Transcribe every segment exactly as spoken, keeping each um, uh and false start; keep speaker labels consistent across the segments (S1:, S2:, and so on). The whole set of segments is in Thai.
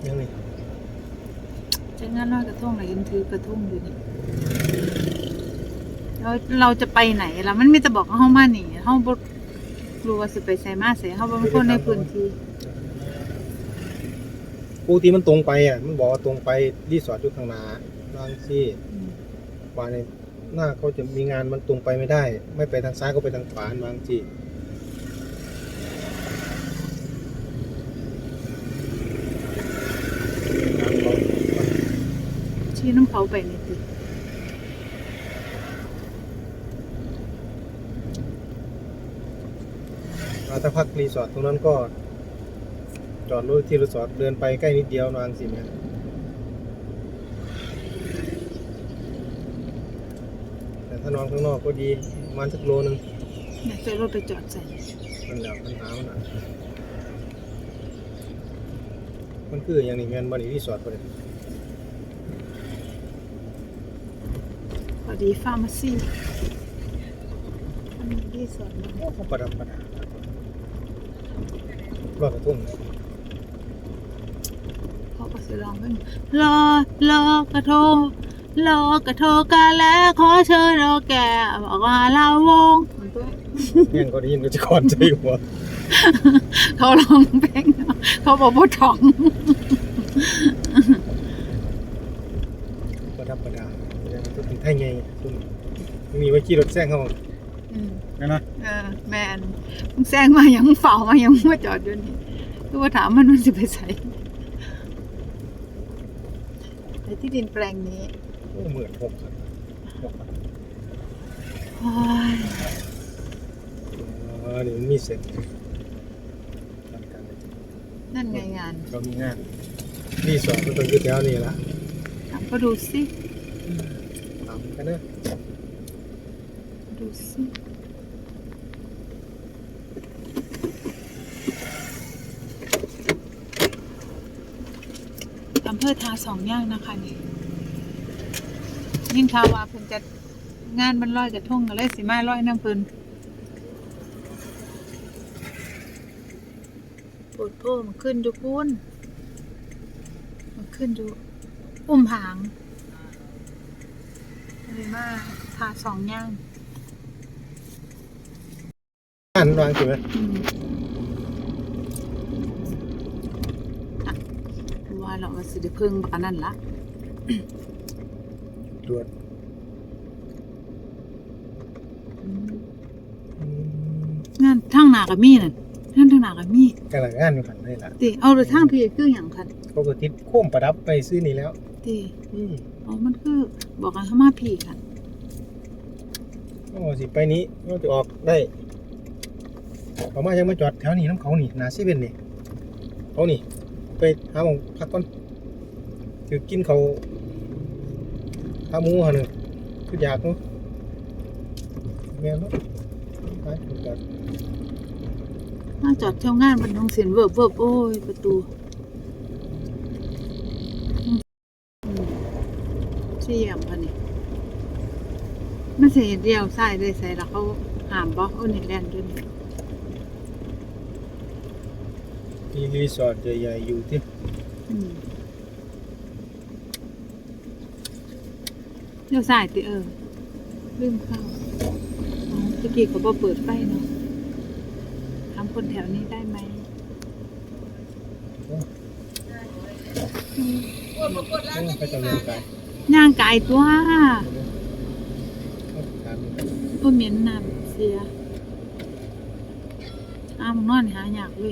S1: ยังไง
S2: จะงานลอยกระทงไหนยังถือกระทงอยู่นี่เราเราจะไปไหนล่ะมันมีแต่บอกเฮามานี่เฮาบ่รู้ว่าสิไปไสมาไสเฮาบ่เป็นคนในพื้นที่
S1: ปกติมันตรงไปอ่ะมันบอกว่าตรงไปรีสอร์ทอยู่ข้างหน้าบางที่ว่าในหน้าเขาจะมีงานมันตรงไปไม่ได้ไม่ไปทางซ้ายก็ไปทางขวาบางที่
S2: ชี้น้ำเขาไปนี่ติ
S1: ถ้าพักรีสอร์ทตรงนั้นก็จอดรถที่รีสอร์ทเดินไปใกล้นิดเดียวนานสิแม่แต่ถ้านอนข้างนอกก็ดีประมาณสักโลนึง
S2: อยากจะรถไปจอดใส่
S1: มันแล้วปัญหามันอ่ะมันคืออย่างนี้แม่นบ่นี่รีสอร์ทบ่ได้
S2: พอดีฟาร์มาซีอันนี้รีสอร์ท
S1: โอ้เขาประดับประดา รอดกระทุ่ง
S2: เขาก็สิร้องเพลงรอรอกระทงรอกระทงกันแล้วขอเชิญเราแก่บอกว่าลาวง
S1: เงี้ยก็ได้ยินก็จะคอนใจหัว
S2: เขาร้องเพลงเขาบอกว่าท้อง
S1: ประดับประดาอย่างก็ถึงไทยไงซุ่มมีไว้ขี่รถแซงเขานั่นนะ
S2: เออแมนมึงแซงมายังเฝ้ามายังมาจอดอยู่นี่คือว่าถามมันมันจะไปใส่ไอ้ที่ดินแปลงนี้
S1: โอ้เหมือนหกครับหกครับ
S2: โอ้ย
S1: อ๋อนี่มันมีเสร็จ
S2: นั่นไงงาน
S1: เรามีงานรีสอร์ทมันต้องอยู่แถวนี้ละ
S2: ถามก็ดูสิ
S1: ถามกันนะ
S2: ดูสิอำเภอทาสองย่างนะคะนี่ยิ่งทาวาเพิ่นจะงานมันลอยกระทงกันเลยสิมาลอยน้ำเพิ่นปวดโพมันขึ้นอยู่ปุ้นมันขึ้นอยู่อุ้มผางอะไรมาทาสองย่าง
S1: งานวางสิไหม
S2: อืมอ่ะว่าเราว่าสิได้เพิ่งบักอันนั่นละ
S1: ตรวจ
S2: งานทางหน้าก็มีนั่นงานทางหน้าก็มี
S1: กำลังงานอยู่ขันนี่ละ
S2: ติเอาเลยทางพี่คือหยังคัน
S1: ปกติโค้มประดับไปซื้อนี่แล้ว
S2: ติ
S1: อืม
S2: อ๋อมันคือบอกกันเข้ามาพี่ค่ะ
S1: โอ้สิไปนี้เราจะออกได้เขามายังมาจอดแถวนี้น้ำเขานี่นาเซเว่นนี่เขานี่ไปหาหมองพักก่อนถือกินเขาข้าหมูหันหนึ่งคืออยากเนาะแม่นเนาะไปจอด
S2: มาจอดเที่ยวงานบรรทงศิลป์เวิบเวิบโอ้ยประตูอืมเสี่ยมค่ะนี่มันสิเดียวซ้ายเลยใส่แล้วเขาห้ามบ่โอ้นี่แล่นด้วยนี่
S1: มีรีสอร์ทใหญ่ๆอยู่ที่
S2: อืมเลี้ยวซ้ายติเออลืมเข้าอ๋อตะกี้เขาบ่เปิดไฟเนาะถามคนแถวนี้ได้ไหมอืม
S1: ไปตำเนินการ
S2: ย่างกายตัว
S1: ถาม
S2: ก็เหม็นน้ำเสียอ้าวมึงนอนหาอยากเลย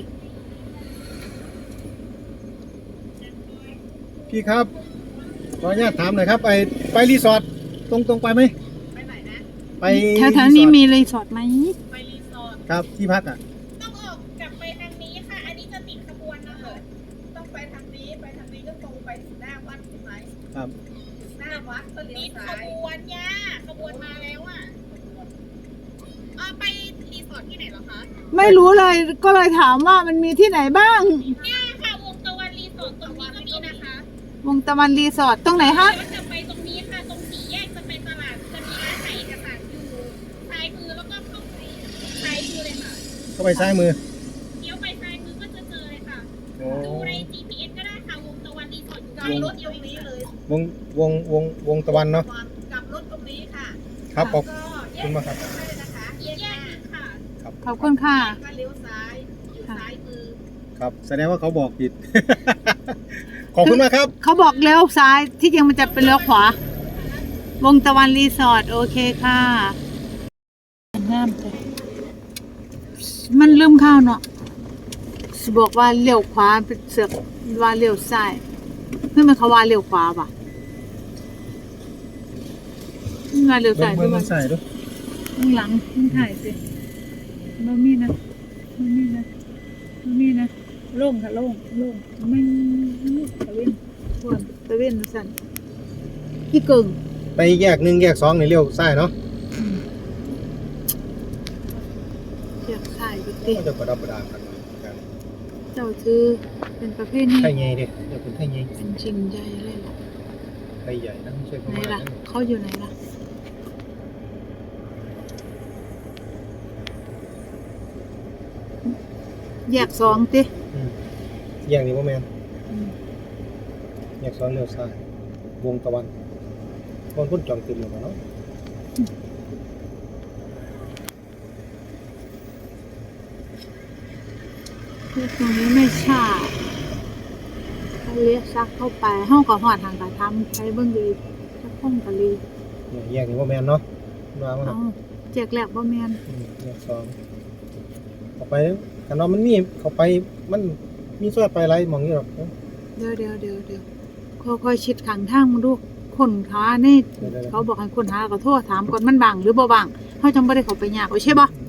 S1: พี่ครับขออนุญาตถามหน่อยครับไปไปรีสอร์ทตรงตรงไปไหม
S3: ไปไหนนะ
S1: ไป
S2: แถวๆนี้มีรีสอร์ทไหม
S3: ไปรีสอร์ท
S1: ครับที่พักอ่ะ
S3: ต้องออกกลับไปทางนี้ค่ะ อันนี้จะติดขบวนนะคะ ต้องไปทางนี้ ไปทางนี้ก็ตรงไปถึงหน้าวัดใช่ไหม
S1: ครับ
S3: ถึงหน้าวัดก็เลี้ยวซ้ายขบวนย่าขบวนมาแล้วอ่ะอ่าไปรีสอร์ทที่ไหนเหรอคะ
S2: ไม่รู้เลยก็เลยถามว่ามันมีที่ไหนบ้าง
S3: เนี่ยค่ะวงตะวันรีสอร์ทตรงนี้ก็มีนะคะ
S2: วงตะวันรีสอร์ทตรงไหนฮะ
S3: แล้วจะไปตรงนี้ค่ะ ตรงสี่แยกจะไปตลาดจะมีร้านไหนเอกสารอยู่ซ้ายมือแล้วก็เข้าไปซ้ายมือเลยค่ะ
S1: เข้าไปซ้ายมือ
S3: เลี้ยวไปซ้ายมือก็จะเจอเลยค่ะ
S1: โอ้
S3: ดูใน จี พี เอส ก็ได้ค่ะวงตะกลับรถตรงนี้เลยว
S1: งวงวงวงตะวันเนาะ
S3: กลับรถตรงนี้ค่ะ
S1: ครับขอบ
S3: ก็แย
S1: คุณ
S3: ก
S1: มากครับ
S3: ได้นะคะแยกนี้ค่ะ
S2: ขอบคุณค่ะ
S3: ก็เลี้ยวซ้ายอยู่ซ้ายมือ
S1: ครับแสดงว่าเขาบอกผิด ขอบคุณมากครับ
S2: เขาบอกเลี้ยวซ้ายที่จริงมันจะเป็นเลี้ยวขวา วงตะวันรีสอร์ทโอเคค่ะงามเลยมันลืมข้าวเนาะสิบอกว่าเลี้ยวขวาเป็นเสือกว่าเลี้ยวซ้ายเพื่อมันเขาว่าเลี้ยวขวาป่ะมันว่าเลี้ยวซ้าย
S1: เบิ่
S2: ด้
S1: ง
S2: วย
S1: มันใส่ด้วย
S2: ข้างหลังมันถ่ายสิมันมีนะมันมีนะมันมีนะโล่งค่ะโล่งโล่งมันตะเวนทวนตะเวนสั่นพี่กึ่ง
S1: ไปแยกหนึ่งแยกสองในเลี้ยวซ้ายเนาะ
S2: เชือกสายก็ติ
S1: ก็จะประดับประดากันกัน
S2: เจ้าชื่อเป็นประเภทนี้
S1: ไทยใหญ่เด้เดี๋ยวเป็นไทยใหญ่
S2: เป็นจริงใจเลยล่ะ
S1: ไทยใหญ่นะไม่ใช่พ
S2: ไหน
S1: ม่า
S2: ล่ะ
S1: นะ
S2: เขาอยู่ไหนล่ะแยกสองติ
S1: อืมแยกนี้ว่าแมนแยกสองเลี้ยวซ้ายวงตะวันคนคนจองติดอยู่มาเนาะ
S2: คือตรงนี้ไม่ใช่เขาเลี้ยกซักเข้าไปห้องกับหอดทางกระทำใช้เบิ้งดีสักห้องกะลี
S1: เนี่ยแยกนี้ว่าแมนเนาะมาว่า
S2: เอาแจกแหลกบ่แมน
S1: อืมแยกสองเข้าไปกันเนาะมันมีเข้าไปมันมีซอยไปไรมองนี่หรอก
S2: เดี๋ยวเดี๋ยวเดี๋ยวเดี๋ยวค่อยๆชิดขังทางมาดูคนค้านี่
S1: เดี๋ยวๆๆ
S2: เขาบอกให้คนหาก็โทรถามก่อนมันบังหรือบ่บังเขาจังบ่ได้เข้าไปยากเอาใช่ปะ
S1: เ